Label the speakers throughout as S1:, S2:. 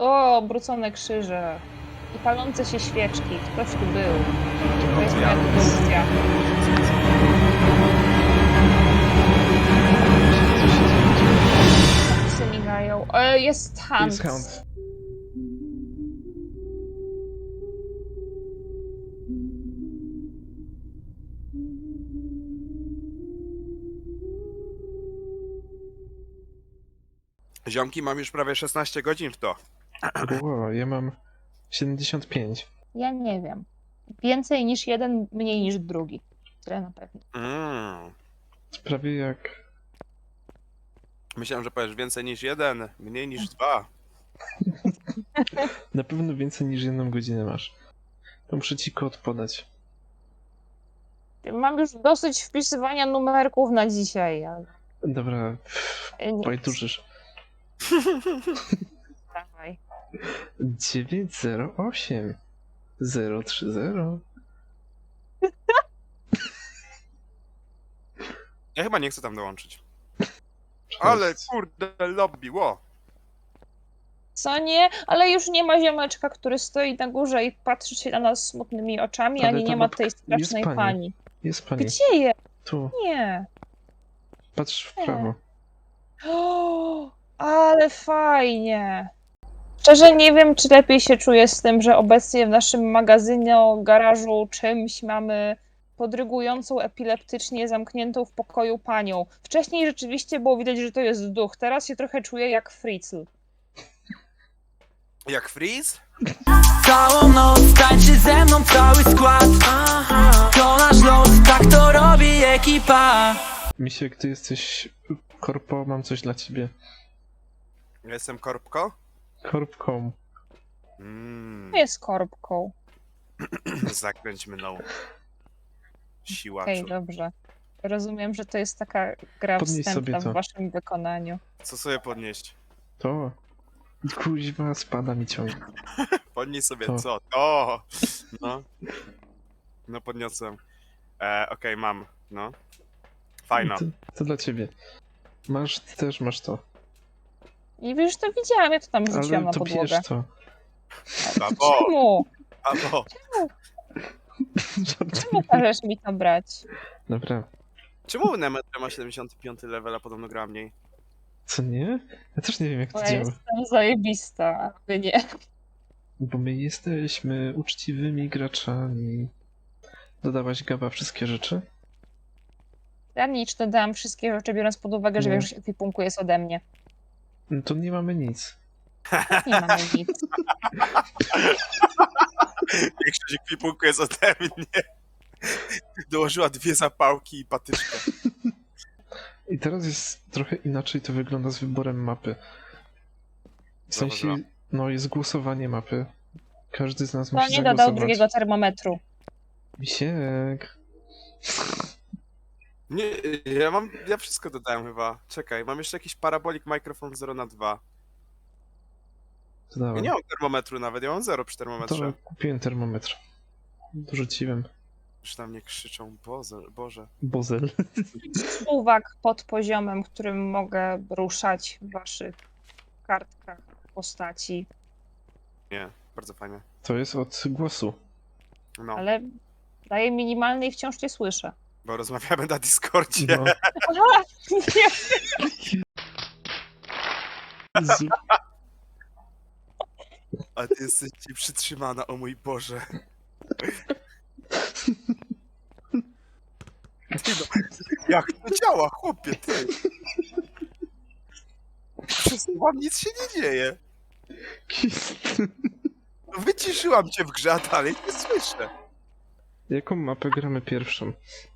S1: O, obrócone krzyże. I palące się świeczki. Ktoś tu był. To jest moja dedukcja. Psy migają. Jest Hunt.
S2: Jest Hunt.
S3: Ziomki, mam już prawie 16 godzin w to.
S2: Wow, ja mam 75.
S1: Ja nie wiem. Więcej niż jeden, mniej niż drugi. Tyle na pewno.
S2: Prawie jak...
S3: Myślałem, że powiesz więcej niż jeden, mniej niż dwa.
S2: Na pewno więcej niż 1 godzinę masz. To muszę ci kod podać.
S1: Mam już dosyć wpisywania numerków na dzisiaj. Ale...
S2: Dobra,
S1: nie,
S2: pajtużysz.
S1: dawaj.
S2: 908 030.
S3: Ja chyba nie chcę tam dołączyć. Ale kurde, lobby, ło.
S1: Co nie? Ale już nie ma ziomeczka, który stoi na górze i patrzy się na nas smutnymi oczami,
S2: Ale
S1: ani
S2: ta
S1: nie ma
S2: babka-
S1: tej strasznej
S2: jest pani.
S1: pani.
S2: Jest pani.
S1: Gdzie jest?
S2: Tu,
S1: Nie.
S2: patrz w prawo.
S1: O, ale fajnie. Szczerze nie wiem, czy lepiej się czuję z tym, że obecnie w naszym magazynie, garażu, czymś mamy podrygującą epileptycznie zamkniętą w pokoju panią. Wcześniej rzeczywiście było widać, że to jest duch. Teraz się trochę czuję jak Fritzl.
S3: Jak Freeze?
S4: Całą noc tańczy ze mną cały skład. To nasz los, tak to robi ekipa.
S2: Misiek, ty jesteś korpo, mam coś dla ciebie.
S3: Ja jestem Korbko?
S2: Korpką.
S1: Jest korbką.
S3: Zakręć mną. Siłaczu.
S1: Okej, dobrze. Rozumiem, że to jest taka gra
S2: Podnieś sobie
S1: wstępna
S2: to.
S1: w waszym wykonaniu.
S3: Co sobie podnieść?
S2: To. Kuźwa, spada mi ciągle.
S3: Podnieś sobie
S2: To.
S3: co? To! No. No podniosłem. Okej, mam. No. Fajno.
S2: To dla ciebie. Masz, ty też masz to.
S1: I wiesz, to widziałam, ja to tam wrzuciłam
S2: Ale
S1: na
S2: to
S1: podłogę.
S2: bierz to.
S3: Babo!
S1: Czemu?
S3: Babo!
S1: Czemu każesz mi to brać?
S2: Dobra.
S3: Czemu Nemetra ma 75 level, a podobno gra mniej?
S2: Co nie? Ja też nie wiem, jak
S1: Bo
S2: to
S1: ja
S2: działa.
S1: jestem zajebista, a wy nie.
S2: Bo my jesteśmy uczciwymi graczami. Dodałaś Gaba wszystkie rzeczy?
S1: Ja nic, dodałam wszystkie rzeczy, biorąc pod uwagę, że
S2: Nie.
S1: większość ekwipunku jest ode mnie.
S2: No to nie mamy nic.
S1: Nie mamy nic.
S3: Większość ekwipunku jest ode mnie. Dołożyła 2 zapałki i patyczkę.
S2: I teraz jest trochę inaczej to wygląda z wyborem mapy. W sensie,
S3: Zauważyłam.
S2: no jest głosowanie mapy. Każdy z nas
S1: To
S2: musi
S1: nie
S2: zagłosować.
S1: dodał drugiego termometru.
S2: Misiek.
S3: Nie, ja wszystko dodałem chyba. Czekaj, mam jeszcze jakiś parabolik mikrofon 0x2.
S2: To
S3: Ja
S2: dałem.
S3: nie mam termometru nawet, ja mam 0 przy termometrze.
S2: To kupiłem termometr. Dorzuciłem.
S3: Już na mnie krzyczą, Boże.
S2: Bozel.
S1: Suwak pod poziomem, którym mogę ruszać w waszych kartkach postaci.
S3: Nie, bardzo fajnie.
S2: To jest od głosu.
S3: No,
S1: Ale daje minimalny i wciąż cię słyszę.
S3: bo rozmawiamy na Discordzie.
S2: No.
S1: Aha! Nie.
S2: Z...
S3: A ty jesteś ci przytrzymana, o mój Boże. Ty no, jak to działa, chłopie, ty? Przesuwam, nic się nie dzieje. No, wyciszyłam cię w grze, a dalej nie słyszę.
S2: Jaką mapę gramy pierwszą?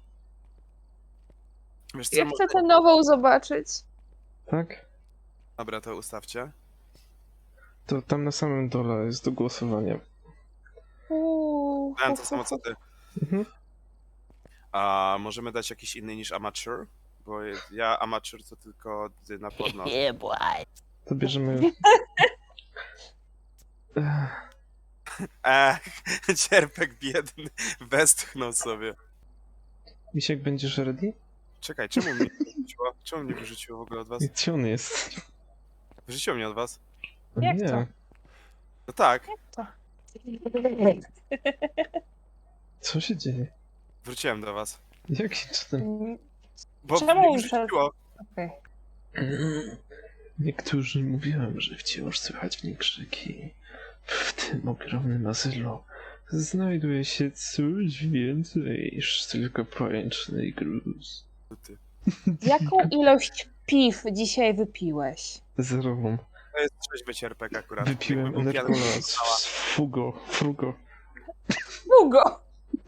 S3: Wiesz co,
S1: Ja chcę tę nową zobaczyć.
S2: Tak?
S3: Dobra, to ustawcie.
S2: To tam na samym dole jest do głosowania.
S3: Dałem to samo co ty.
S2: Mhm.
S3: A możemy dać jakiś inny niż amateur? Bo ja amateur to tylko na podnos.
S2: To bierzemy...
S3: Cierpek biedny, westchnął sobie.
S2: Misiek, będziesz ready?
S3: Czekaj, czemu mnie wyrzuciło? Czemu mnie wyrzuciło w ogóle od was?
S2: Gdzie on jest?
S3: Wyrzuciło mnie od was?
S2: O
S1: Jak
S2: nie.
S1: to?
S3: No tak,
S2: Co się dzieje?
S3: wróciłem do was.
S2: Jakim cudem?
S3: Bo
S1: Czemu
S3: mnie
S1: przed-
S3: wrzuciło.
S1: Okej.
S2: Niektórzy mówią, że wciąż słychać w nich krzyki. W tym ogromnym azylu znajduje się coś więcej niż tylko pajęczny gruz.
S3: Ty.
S1: Jaką ilość piw dzisiaj wypiłeś?
S2: Zerową.
S3: To jest trzeźwy cierpek akurat.
S2: Wypiłem
S3: Jakby był pijany,
S2: Energola
S3: to została.
S2: z frugo.
S1: Długo!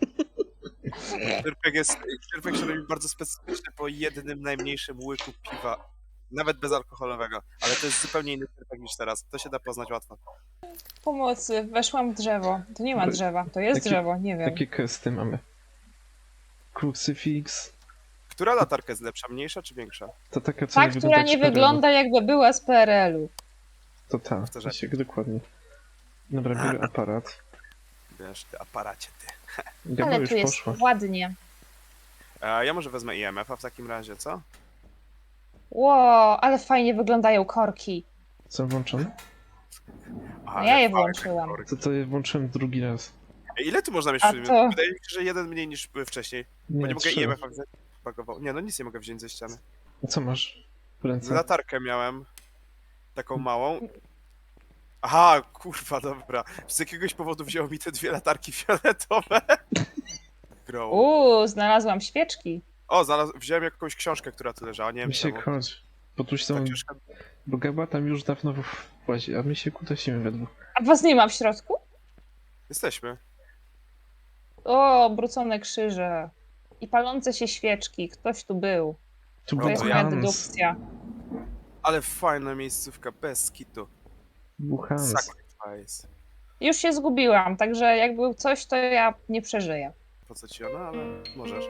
S3: Cierpek się robi bardzo specyficzny po jednym najmniejszym łyku piwa. Nawet bezalkoholowego. Ale to jest zupełnie inny cierpek niż teraz. To się da poznać łatwo.
S1: Pomocy, weszłam w drzewo. To nie ma
S2: Ale
S1: drzewa, to jest
S2: jakie-
S1: drzewo, nie wiem.
S2: Jakie questy mamy? Crucifix.
S3: Która latarka jest lepsza? Mniejsza czy większa?
S2: To taka, co
S1: Ta,
S2: nie
S1: która nie
S2: jak z PRL-u.
S1: wygląda jakby była z PRL-u.
S2: To ta,
S3: Powtarzam.
S2: Jasiek, dokładnie. Dobra, biorę aparat.
S3: Wiesz, ty aparacie, ty.
S2: Gaba
S1: Ale
S2: już
S1: tu jest
S2: poszła.
S1: ładnie.
S3: Ja może wezmę IMF-a w takim razie, co?
S1: Ło, ale fajnie wyglądają korki.
S2: Co włączone?
S3: Aha,
S1: No ja je
S3: fakt,
S1: włączyłam.
S3: korki.
S2: To je włączyłem drugi raz.
S3: Ile tu można mieć
S1: A
S3: przedmiotów?
S1: to-
S3: Wydaje mi się, że jeden mniej niż wcześniej. Bo nie mogę
S2: 3.
S3: IMF-a wziąć. Pakował. Nie, no nic nie mogę wziąć ze ściany.
S2: A co masz w ręce?
S3: Latarkę miałem. Taką małą. Aha, kurwa, dobra. Z jakiegoś powodu wzięło mi te dwie latarki fioletowe. Grow.
S1: Znalazłam świeczki.
S3: O, wziąłem jakąś książkę, która tu leżała, nie wiem
S2: Misiek,
S3: czemu.
S2: chodź. Bo tu
S3: Ta
S2: są...
S3: książka...
S2: Bo Gaba tam już dawno łazi, a my się kutasimy we dwóch.
S1: A was nie ma w środku?
S3: Jesteśmy.
S1: O, obrócone krzyże. I palące się świeczki. Ktoś tu był.
S2: Tu
S3: To
S1: To
S2: był
S1: jest
S3: ja.
S1: moja
S2: Hans.
S1: dedukcja.
S3: Ale fajna miejscówka, bez kitu.
S2: Był Hans.
S3: Sacrifice.
S1: Już się zgubiłam, także jak był coś, to ja nie przeżyję.
S3: Po co ci ona, ale możesz.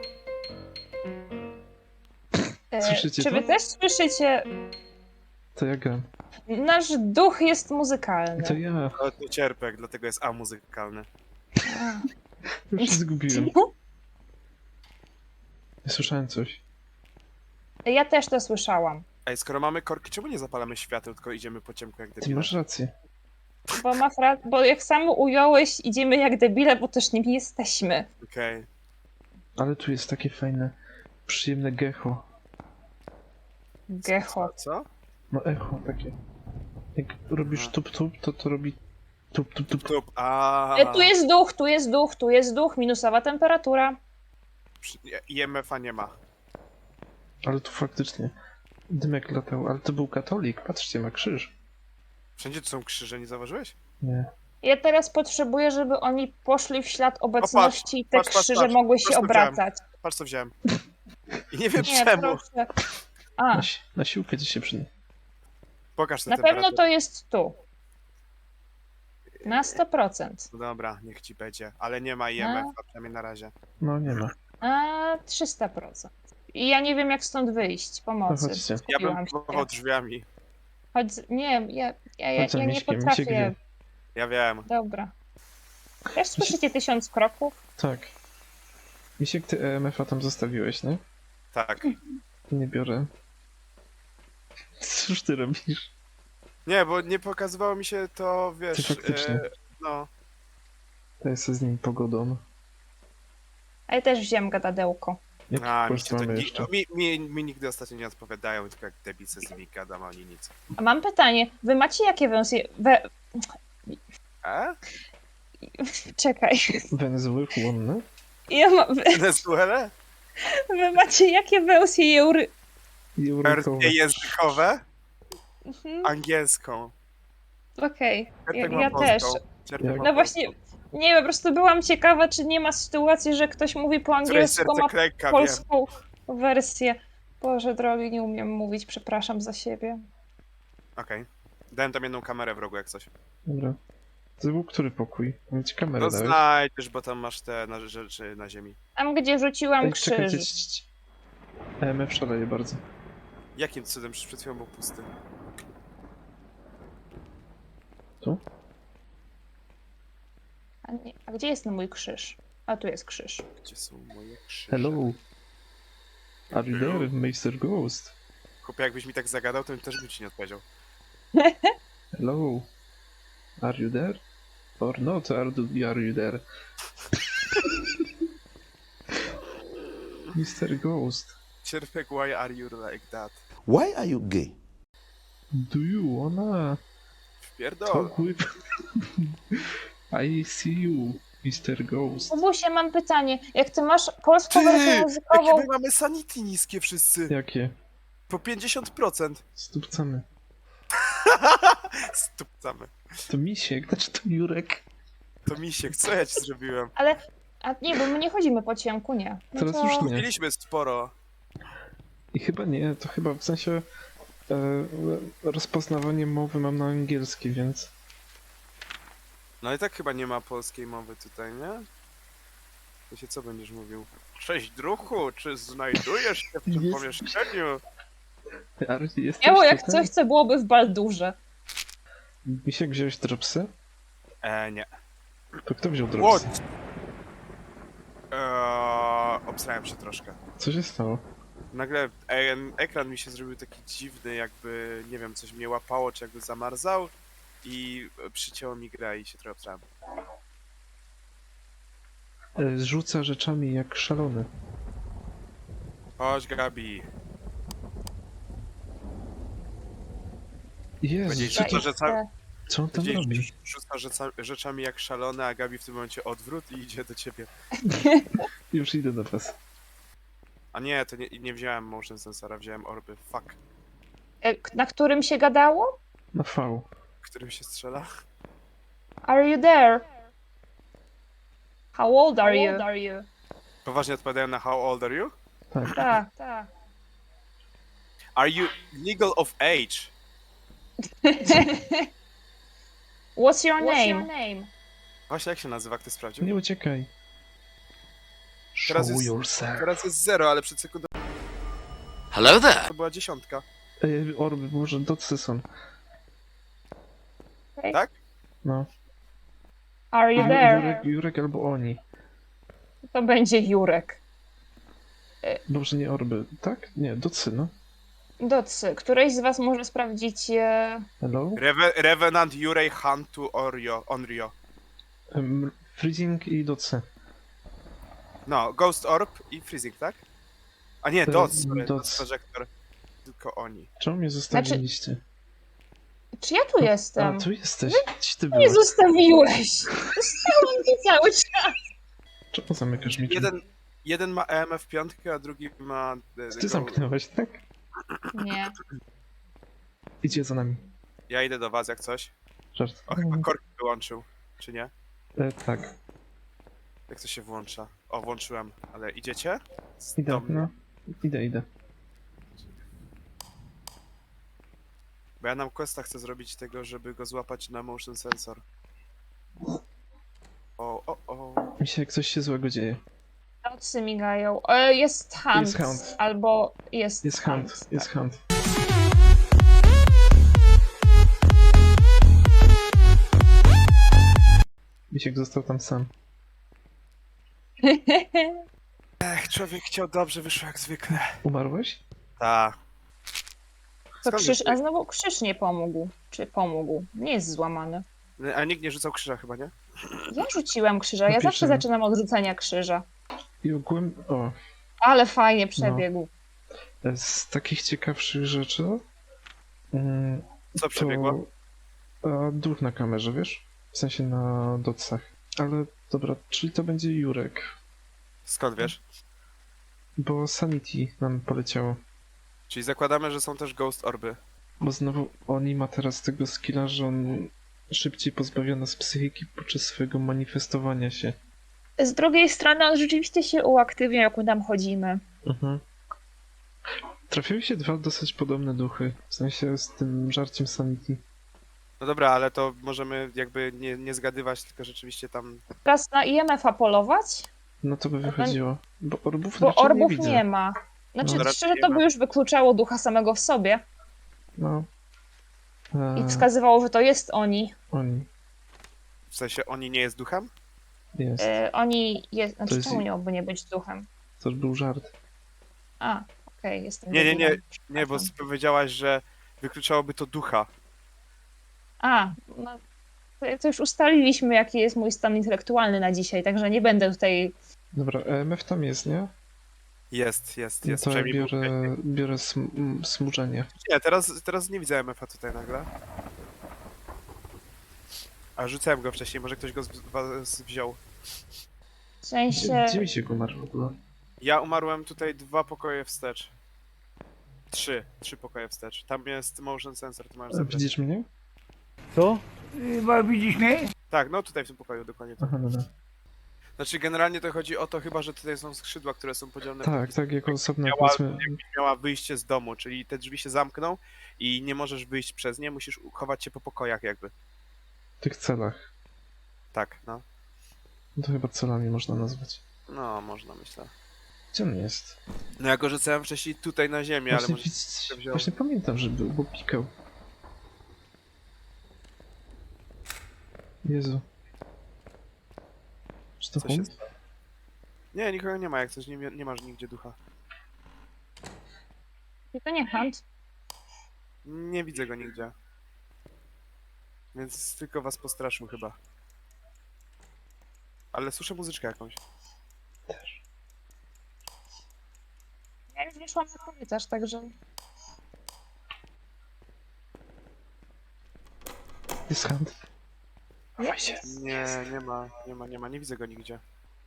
S2: Słyszycie
S1: Czy wy
S2: to?
S1: też słyszycie?
S2: To ja gram.
S1: Nasz duch jest muzykalny.
S2: To ja.
S3: Ale to cierpek, dlatego jest amuzykalny.
S2: Już się zgubiłem. Słyszałem coś.
S1: Ja też to słyszałam,
S3: Ej, skoro mamy korki, czemu nie zapalamy świateł, tylko idziemy po ciemku jak
S2: Ty
S3: debile?
S2: masz rację.
S1: bo jak sam ująłeś, idziemy jak debile, bo też nimi jesteśmy.
S3: Okej.
S2: Ale tu jest takie fajne, przyjemne gecho.
S1: Gecho.
S3: Co?
S2: No echo takie. Jak robisz
S3: Aha.
S2: tup-tup, to robi tup-tup-tup.
S3: Tup.
S1: Tu jest duch, tu jest duch, tu jest duch, minusowa temperatura.
S3: IMF-a nie ma.
S2: Ale tu faktycznie dymek latał. Ale to był katolik. Patrzcie, ma krzyż.
S3: Wszędzie tu są krzyże, nie zauważyłeś?
S2: Nie.
S1: Ja teraz potrzebuję, żeby oni poszli w ślad obecności i te
S3: patrz,
S1: krzyże
S3: patrz.
S1: mogły się
S3: Prosto wziąłem.
S1: obracać.
S3: Patrz co wziąłem. I nie wiem
S1: Nie,
S3: czemu.
S1: proszę. A,
S2: Na siłkę ci się przyda.
S3: Pokaż tę
S1: na
S3: temperaturę.
S1: pewno to jest tu. Na 100%.
S3: No dobra, niech ci będzie. Ale nie ma IMF-a, przynajmniej na razie.
S2: No nie ma.
S1: A 300%. I ja nie wiem, jak stąd wyjść. Pomocy.
S2: No chodźcie.
S3: Ja bym
S1: Zgubiłam się.
S3: próbował drzwiami.
S1: Chodź, nie,
S2: Chodź za
S1: ja nie
S2: Miśkiem,
S1: potrafię.
S2: Misiek wie.
S3: Ja wiem.
S1: Dobra. Też słyszycie 1000 kroków?
S2: Tak. Misiek, ty EMF-a tam zostawiłeś, nie?
S3: Tak.
S2: Nie biorę. Cóż ty robisz?
S3: Nie, bo nie pokazywało mi się to,
S2: Ty
S3: wiesz...
S2: faktycznie.
S3: No.
S2: To jest z nim pogodą.
S1: A ja też wziąłem gadadełko.
S2: Jaki
S3: A, mi,
S2: quest
S3: się to,
S2: mamy jeszcze?
S3: mi nigdy ostatnio nie odpowiadają, tylko jak debice z nimi gadam, a oni nic.
S1: A mam pytanie. Wy macie jakie wersje... Czekaj.
S2: Węzły chłonne?
S1: Ja
S3: Venezuela?
S1: wy macie jakie wersje
S2: Jurkowe.
S3: Wersje językowe?
S1: Mhm,
S3: Angielską.
S1: Okej,
S3: Cierpek
S1: ja
S3: ma
S1: też.
S3: polską. Cierpek
S2: Jak-
S3: ma
S1: No właśnie,
S3: polską.
S1: nie po prostu byłam ciekawa, czy nie ma sytuacji, że ktoś mówi po
S3: Któreś
S1: angielsku,
S3: serce
S1: ma
S3: klęka, wiem.
S1: polską wersję. Boże drogi, nie umiem mówić, przepraszam za siebie.
S3: Okej. Dałem tam jedną kamerę w rogu jak coś.
S2: Dobra. To był który pokój? Mam ci kamerę
S3: No
S2: dałeś.
S3: znajdziesz, bo tam masz te rzeczy na ziemi.
S1: Tam, gdzie rzuciłam
S2: Ej, czekajcie,
S1: krzyż.
S2: EMF szaleje bardzo.
S3: Jakim cudem? Przecież przed chwilą był pusty.
S2: Tu?
S1: A gdzie jest mój krzyż? A tu jest krzyż.
S3: Gdzie są moje krzyże?
S2: Hello. Are you there, Mr. Ghost?
S3: Chłopie, jakbyś mi tak zagadał, to też bym ci nie odpowiedział.
S2: Hello. Are you there? Or not? Are you there? Mr. Ghost,
S3: Cierpek, why are you like that?
S5: Why are you gay?
S2: do you wanna
S3: Wpierdol.
S2: talk with... I see you, Mr. Ghost.
S1: Kubusie, mam pytanie. Jak ty masz polską
S3: Ty,
S1: wersję
S3: jakie
S1: muzykową,
S3: my mamy sanity niskie wszyscy.
S2: Jakie?
S3: Po 50%.
S2: Stupcamy.
S3: Stupcamy.
S2: To Misiek, znaczy to Jurek.
S3: To misiek, co ja ci zrobiłem?
S1: ale... A nie, bo my nie chodzimy po ciemku, nie. No
S2: Teraz
S1: to...
S2: już nie.
S3: Mieliśmy sporo.
S2: I chyba nie, to chyba w sensie rozpoznawanie mowy mam na angielski, więc...
S3: No i tak chyba nie ma polskiej mowy tutaj, nie? To się co będziesz mówił? Cześć druhu, czy znajdujesz się w tym
S2: Jest.
S3: pomieszczeniu?
S2: Ale jesteś
S1: Miało jak
S2: tutaj?
S1: coś, co byłoby w Baldurze.
S2: Misiek, wziąłeś dropsy?
S3: Nie.
S2: To kto wziął dropsy?
S3: What? Obsrałem się troszkę.
S2: Co się stało?
S3: Nagle ekran mi się zrobił taki dziwny, jakby, nie wiem, coś mnie łapało, czy jakby zamarzał i przycięło mi grę i się trochę obsrałem.
S2: Rzuca rzeczami jak szalony.
S3: Chodź, Gabi.
S2: Jezu,
S3: Powiedzieć,
S2: co,
S3: że
S2: to,
S3: to, że ca-
S2: co on tam robi?
S3: Powiedzieć, rzuca rzeczami jak szalony, a Gabi w tym momencie odwrót i idzie do ciebie.
S2: Już idę do was.
S3: A nie, to nie wziąłem motion sensora, wziąłem orby. Fuck.
S1: Na którym się gadało?
S2: Na V.
S3: Którym się strzela?
S1: Are you there? How old are you?
S3: Poważnie odpowiadają na how old are you?
S2: Tak.
S1: Tak.
S3: Are you legal of age?
S1: What's your name?
S3: Właśnie jak się nazywa, kto sprawdził?
S2: Nie uciekaj.
S3: Teraz
S2: Show
S3: jest-
S2: yourself.
S3: Teraz jest 0, ale przed sekundą
S4: Hello there.
S3: to była 10.
S2: Orby, może docy są.
S3: Tak?
S2: No.
S1: Are you there?
S2: Jurek albo oni.
S1: To będzie Jurek.
S2: Dobrze, nie orby. Tak? Nie, docy, no.
S1: Docy, któryś z was może sprawdzić...
S2: Hello?
S3: Revenant Yurei Hantu Onryo.
S2: Freezing i docy.
S3: No, Ghost Orb i Freezing, tak? A nie, Dots, sorry,
S2: Dots.
S3: Dots Projector. Tylko oni.
S2: Czemu mnie zostawiliście?
S1: Czy ja tu jestem?
S2: A, tu jesteś. Gdzieś ty
S1: Nie
S2: byłeś.
S1: zostawiłeś! Zostałam tu cały czas!
S2: Czemu zamykasz mi drzwi?
S3: Jeden ma EMF 5, a drugi ma...
S2: Ty zamknąłeś, tak?
S1: Nie.
S2: Idzie za nami.
S3: Ja idę do was jak coś.
S2: Żart.
S3: O, chyba korki wyłączył, czy nie?
S2: Tak.
S3: Jak to się włącza? O, włączyłem, ale idziecie?
S2: Idę,
S3: Do mnie?
S2: no. Idę.
S3: Bo ja nam questa chcę zrobić tego, żeby go złapać na motion sensor. O.
S2: Mi się jak coś się złego dzieje.
S1: Nocy migają. Jest hunt.
S2: Jest hunt.
S1: Albo jest
S2: Jest hunt, jest
S1: tak.
S2: hunt. Misiek został tam sam.
S3: Ech, człowiek chciał dobrze, wyszło jak zwykle.
S2: Umarłeś?
S3: Ta.
S1: To
S3: Skąd
S1: krzyż,
S3: wiesz?
S1: a znowu krzyż nie pomógł. Czy pomógł? Nie jest złamany.
S3: A nikt nie rzucał krzyża chyba, nie?
S1: Ja rzuciłem krzyża. Ja zawsze
S2: Napiszemy.
S1: zaczynam od rzucenia krzyża.
S2: I ogółem... O,
S1: Ale fajnie przebiegł.
S2: z takich ciekawszych rzeczy...
S3: Co przebiegło?
S2: Duch na kamerze, wiesz? W sensie na docach. Ale dobra, czyli to będzie Jurek.
S3: Skąd wiesz?
S2: Bo Sanity nam poleciało.
S3: Czyli zakładamy, że są też Ghost Orby.
S2: Bo znowu oni ma teraz tego skilla, że on szybciej pozbawia nas psychiki podczas swojego manifestowania się.
S1: Z drugiej strony on rzeczywiście się uaktywnia, jak my tam chodzimy.
S2: Mhm. Trafiły się dwa dosyć podobne duchy. W sensie z tym żarciem Sanity.
S3: No dobra, ale to możemy jakby nie zgadywać, tylko rzeczywiście tam...
S1: Teraz na IMF-a polować,
S2: No to by wychodziło. Bo orbów
S1: bo
S2: raczej
S1: orbów
S2: nie widzę.
S1: nie ma. Znaczy,
S2: No.
S1: szczerze, to by już wykluczało ducha samego w sobie
S2: No.
S1: i wskazywało, że to jest oni.
S2: Oni.
S3: W sensie oni nie jest duchem?
S2: Jest.
S1: Oni jest... Znaczy,
S2: jest-
S1: czemu miałby nie być duchem?
S2: To był żart.
S1: A, okej, jestem
S3: Nie,
S1: debilem.
S3: Nie, bo
S1: Przepraszam.
S3: powiedziałaś, że wykluczałoby to ducha.
S1: A, no, To już ustaliliśmy, jaki jest mój stan intelektualny na dzisiaj, także nie będę tutaj...
S2: Dobra, EMF tam jest, nie?
S3: Jest.
S2: No to ja
S3: Przynajmniej był
S2: biorę smużenie.
S3: Nie, teraz nie widzę MF-a tutaj nagle. A rzucałem go wcześniej, może ktoś go z was wziął.
S1: W sensie...
S2: Gdzie mi się go umarł w ogóle?
S3: Ja umarłem tutaj 2 pokoje wstecz. 3 pokoje wstecz. Tam jest motion sensor, ty masz zabrać.
S2: Widzisz mnie?
S5: Co? Widzisz mnie?
S3: Tak, no tutaj w tym pokoju dokładnie to.
S2: Aha, dobra.
S3: Znaczy generalnie to chodzi o to chyba, że tutaj są skrzydła, które są podzielone.
S2: Tak, jako osobne
S3: Miała,
S2: powiedzmy...
S3: miała wyjście z domu, czyli te drzwi się zamkną i nie możesz wyjść przez nie, musisz chować się po pokojach jakby.
S2: w tych celach.
S3: Tak, no.
S2: No to chyba celami można nazwać.
S3: No, można myślę.
S2: Gdzie on jest?
S3: No ja go rzucałem wcześniej tutaj na ziemię, ale może się wziął.
S2: Właśnie pamiętam, że był, bo pikał. Jezu. Czy to
S3: Co się
S2: on?
S3: stało? Nie, nikogo nie ma, jak coś nie masz nigdzie ducha.
S1: I to nie Hunt.
S3: Nie widzę go nigdzie. Więc tylko was postraszył chyba. Ale słyszę muzyczkę jakąś.
S1: Ja już nie szłam na korytarz, także...
S2: Jest hand. Chowaj się.
S3: Nie ma, nie widzę go nigdzie.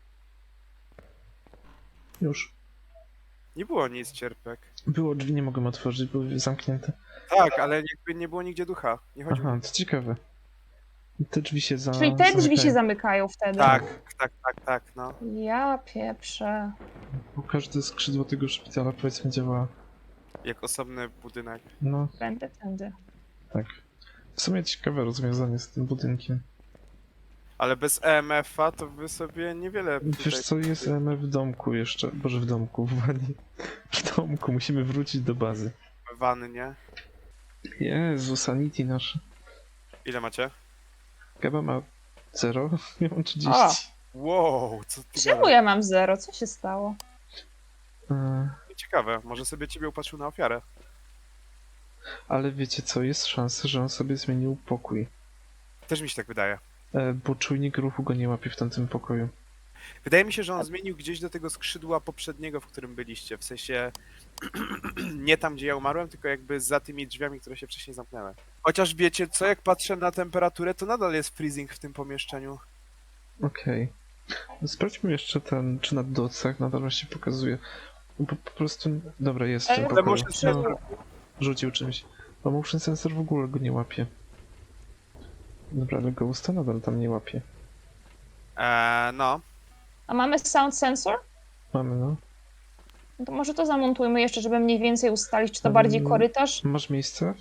S2: Już.
S3: Nie było nic, cierpek.
S2: Było, drzwi nie mogłem otworzyć, były zamknięte.
S3: Tak, ale jakby nie było nigdzie ducha. Nie chodziło.
S2: Aha, to ciekawe. Te drzwi się
S1: Czyli te drzwi się
S2: zamykają.
S1: zamykają wtedy.
S3: Tak, no.
S1: Ja pieprzę.
S2: Bo każde skrzydło tego szpitala powiedzmy działa.
S3: Jak osobny budynek.
S2: No,
S1: Będę tędy.
S2: tak. W sumie ciekawe rozwiązanie z tym budynkiem.
S3: Ale bez EMF-a to wy sobie niewiele tutaj...
S2: Wiesz co, jest EMF w domku jeszcze. Boże, w domku, w wanie. W domku, musimy wrócić do bazy.
S3: Wannie.
S2: Jezu, sanity nasze.
S3: Ile macie?
S2: Gaba ma 0, ja mam 30.
S1: O!
S3: Wow, co ty
S1: Czemu
S3: gadasz?
S1: ja mam 0? Co się stało?
S3: Ciekawe, może sobie ciebie upatrzył na ofiarę.
S2: Ale wiecie co, jest szansa, że on sobie zmienił pokój.
S3: Też mi się tak wydaje.
S2: Bo czujnik ruchu go nie łapie w tamtym pokoju.
S3: Wydaje mi się, że on zmienił gdzieś do tego skrzydła poprzedniego, w którym byliście. W sensie nie tam, gdzie ja umarłem, tylko jakby za tymi drzwiami, które się wcześniej zamknęły. Chociaż wiecie co, jak patrzę na temperaturę, to nadal jest freezing w tym pomieszczeniu.
S2: Okej. Sprawdźmy jeszcze ten, czy na docach nadal się pokazuje. Bo po prostu... Dobra, jest w tym
S1: Ale
S2: pokoju.
S3: motion sensor-
S2: Rzucił czymś. Bo motion sensor w ogóle go nie łapie. Dobra, ale Ghosta nadal tam nie łapie.
S3: No.
S1: A mamy sound sensor?
S2: Mamy, no.
S1: No to może to zamontujmy jeszcze, żeby mniej więcej ustalić, czy to bardziej korytarz?
S2: Masz miejsce?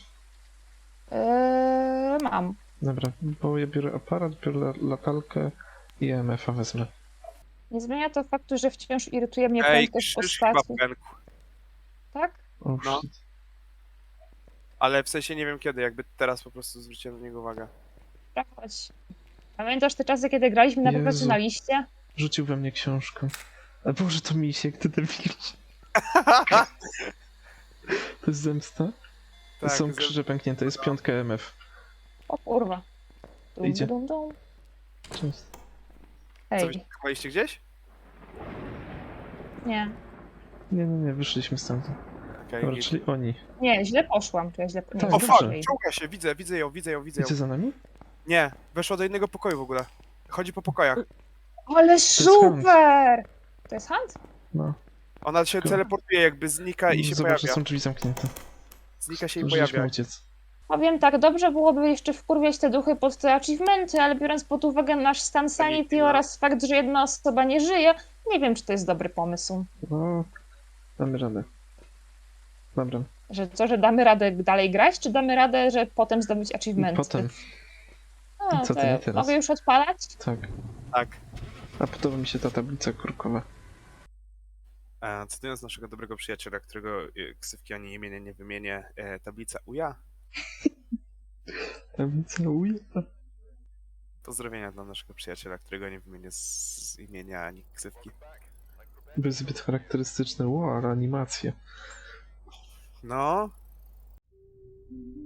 S1: Mam.
S2: Dobra, bo ja biorę aparat, biorę latalkę i EMF-a wezmę.
S1: Nie zmienia to faktu, że wciąż irytuje mnie
S3: Ej,
S1: prędkość
S3: krzyż chyba
S1: postaci.
S3: pękł.
S1: Tak?
S2: O,
S3: No.
S2: shit.
S3: Ale w sensie nie wiem kiedy, jakby teraz po prostu zwróciłem na niego uwagę.
S1: Chodź. Pamiętasz te czasy, kiedy graliśmy na
S2: Jezu.
S1: profesjonaliście?
S2: Rzucił we mnie książkę. A Boże, to misiek, ty debil. To jest zemsta?
S3: Tak,
S2: Są krzyże pęknięte, jest 5 EMF.
S1: O kurwa. Dum,
S2: Idzie.
S1: dum, dum.
S2: Cześć.
S3: Co, wy
S1: Hej,
S3: chowaliście gdzieś?
S1: nie.
S2: Nie, wyszliśmy stąd.
S3: Okej,
S2: Dobra,
S3: git.
S2: czyli oni.
S1: Nie, źle poszłam, czy ja źle... Nie,
S2: Tak,
S3: O
S1: źle
S3: fuck,
S2: dobrze.
S3: czołga się, widzę ją.
S2: Idzie za nami?
S3: Nie, weszła do innego pokoju w ogóle. Chodzi po pokojach.
S1: Ale super! To jest Hunt?
S2: No.
S3: Ona się
S2: Tylko-
S3: teleportuje, jakby znika i się
S2: Zobacz, że
S3: pojawia.
S2: są drzwi zamknięte.
S3: Znika się i
S2: Zdążyliśmy
S3: pojawia.
S2: uciec.
S1: Powiem tak, dobrze byłoby jeszcze wkurwiać te duchy pod te achievementy, ale biorąc pod uwagę nasz stan sanity
S3: no.
S1: oraz fakt, że jedna osoba nie żyje, nie wiem, czy to jest dobry pomysł.
S2: No, damy radę. Dobra.
S1: Że co, że damy radę dalej grać, czy damy radę, że potem zdobyć achievementy?
S2: Potem,
S1: No,
S2: co
S1: to
S2: ty nie teraz?
S1: mogę już odpalać?
S2: tak.
S3: Tak.
S2: A podoba mi się ta tablica kurkowa.
S3: Cytując naszego dobrego przyjaciela, którego ksywki ani imienia nie wymienię, tablica UJA.
S2: Tablica uja.
S3: Pozdrowienia dla naszego przyjaciela, którego nie wymienię z imienia ani ksywki.
S2: Były zbyt charakterystyczne. Wow, ale animacje.
S3: No,